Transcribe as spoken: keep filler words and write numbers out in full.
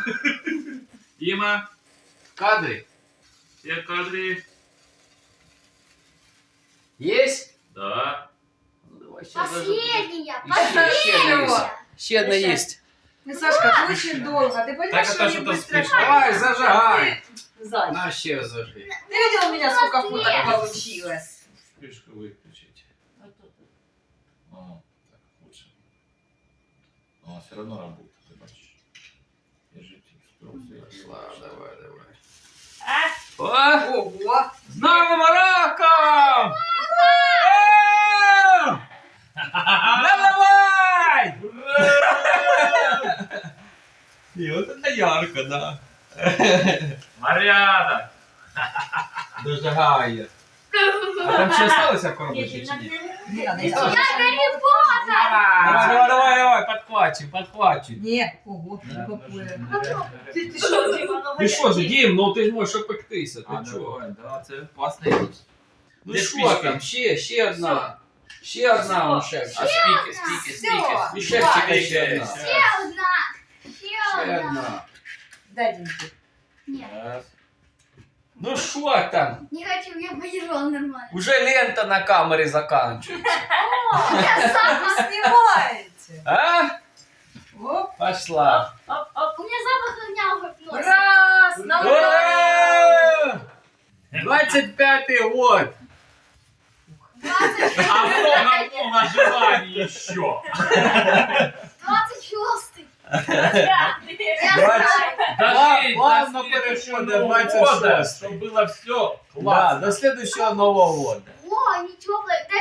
Дима, В кадре. все кадры. Есть? Да. Ну, давай, щас зажжем. Последняя, Еще, ще одна последняя. есть. Ще одна есть. Ну, Сашка, очень долго. Ты понимаешь, Так, что это они что-то быстро... спешно. Давай, зажигай. Зай, На, ще зажги. ты видел у меня, сколько фоток получилось? Вспышку выключить. О, так лучше. Но все равно работает, ты бачишь. Держите инструкцию. Ладно, давай, давай. А? О, Ого! с Новым роком! Давай! И вот это ярко, да. Марьяна! Дожигає. А там ще осталося в коробочці чи ні? Не, не, Я Сашка. Давай, давай, давай, давай, подхвачуй, подхвачуй. Не, ого, не попує. Попробуй. Ты, ты что, Дима, ну Ти що ж, Дім, ну ти ж можеш опектися, А, ти чого? давай, да, це класна річ. Ну Де що спички? там, ще, ще одна. Ще одна, он шефчик. А спіки, спіки, спіки. Всё. І шефчика ще одна. Ще одна. Ще Ще одна. одна. Дай деньги. Ні, Раз. Ну що там? не хочу, я поїжджала нормально. Уже лента на камері заканчується. Я сама. Снимаете. А? Оп, Пошла. оп, оп. У меня запах огня уже в носе. Раз, на Ура! двадцать пятый год. двадцать А много-много желаний еще. двадцать шостый. Я Двадцать. знаю. Даже Плавно до перешел следующего до Нового двадцать года, шестого. чтобы было все Да, классно. до следующего Нового года. О, не теплое.